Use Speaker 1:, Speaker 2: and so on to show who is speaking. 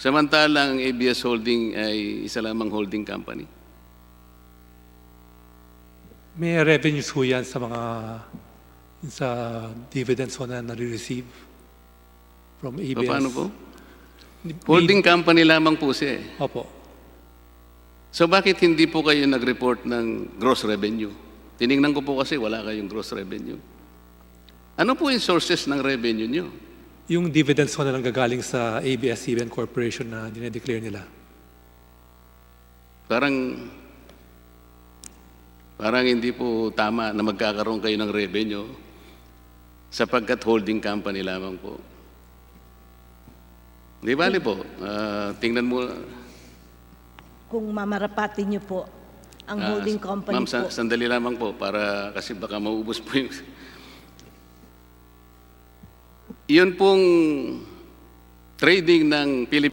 Speaker 1: Samantalang ang ABS Holding ay isa lamang holding company.
Speaker 2: May revenues ho yan sa dividends ho na nare-receive from
Speaker 1: So,
Speaker 2: ABS.
Speaker 1: paano po?
Speaker 2: May-
Speaker 1: Holding company lamang po siya eh.
Speaker 2: Opo.
Speaker 1: So bakit hindi po kayo nag-report ng gross revenue? Tiningnan ko po kasi wala kayong gross revenue. Ano po yung sources ng revenue nyo?
Speaker 2: Yung dividends ho na lang gagaling sa ABS-CBN Corporation na dinedeclare nila.
Speaker 1: Parang hindi po tama na magkakaroon kayo ng revenue sapagkat holding company lamang po. Di bali po, tingnan mo.
Speaker 3: Kung mamarapatin niyo po ang holding company
Speaker 1: Ma'am,
Speaker 3: po.
Speaker 1: sandali lamang po para kasi baka maubos po yung... Yun pong trading ng Philippines